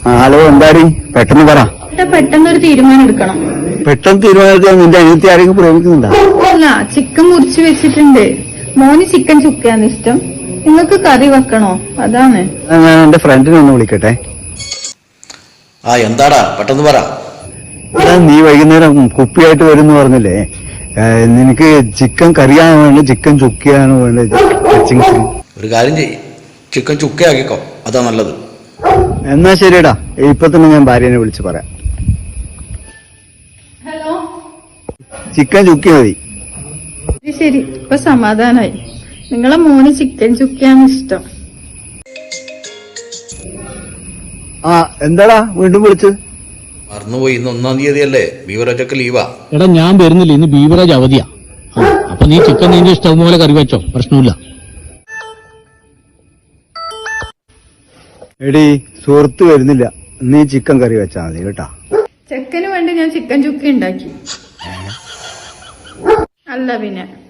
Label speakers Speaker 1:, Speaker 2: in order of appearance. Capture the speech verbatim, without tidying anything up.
Speaker 1: Hello, എന്താടി പെട്ടെന്ന് പറ.
Speaker 2: പെട്ടെന്ന് ഒരു തീരുമാനം എടുക്കണം.
Speaker 1: പെട്ടെന്ന് തീരുമാനിക്കാൻ നിന്റെ അനിയത്തി ആരെങ്കിലും പ്രേമിക്കുന്നുണ്ടോ?
Speaker 2: അല്ല, ചിക്കൻ മുറിച്ച് വെച്ചിട്ടുണ്ട്. മോന് ചിക്കൻ ചുക്കയാണ് ഇഷ്ടം. നിങ്ങൾക്ക് കറി വെക്കണോ? അതാണ്.
Speaker 1: ഞാൻ എന്റെ ഫ്രണ്ടിനെ ഒന്ന് വിളിക്കട്ടെ.
Speaker 3: ആ എന്താടാ പെട്ടെന്ന് പറ.
Speaker 1: നീ വൈകുന്നേരം കുപ്പിയായിട്ട് വരുന്നു പറഞ്ഞില്ലേ? നിനക്ക് ചിക്കൻ കറിയാണോ വേണ്ടത്, ചിക്കൻ ചുക്കിയാണോ വേണ്ടത്?
Speaker 3: ഒരു കാര്യം ചെയ്യ്, ചിക്കൻ ചുക്കയാക്കിക്കോ, അതാ നല്ലത്.
Speaker 1: എന്നാ ശരിയടാ, ഇപ്പൊ തന്നെ ഞാൻ ഭാര്യനെ വിളിച്ച് പറയാം.
Speaker 2: ഹലോ,
Speaker 1: ചിക്കൻ ചുക്കി മതി.
Speaker 2: ശരി, ഇപ്പൊ സമാധാനായി. നിങ്ങളെ മോന് ചിക്കൻ ചുക്കിയാണ് ഇഷ്ടം.
Speaker 1: ആ എന്താടാ വീണ്ടും വിളിച്ച്?
Speaker 3: മറന്നുപോയി, ഇന്ന് ഒന്നാം തീയതി അല്ലേ, ബീവറേജൊക്കെ ലീവാ.
Speaker 4: എടാ ഞാൻ വരുന്നില്ല, ഇന്ന് ബീവറേജ് അവധിയാ. അപ്പൊ നീ ചിക്കൻ നിന്റെ ഇഷ്ടം പോലെ കറി വെച്ചോ, പ്രശ്നമില്ല.
Speaker 1: എടി സുഹൃത്ത് വരുന്നില്ല, നീ ചിക്കൻ കറി വെച്ചാ മതി കേട്ടാ.
Speaker 2: ചെക്കന് വേണ്ടി ഞാൻ ചിക്കൻ ചുക്കി ഉണ്ടാക്കി. അല്ല പിന്നെ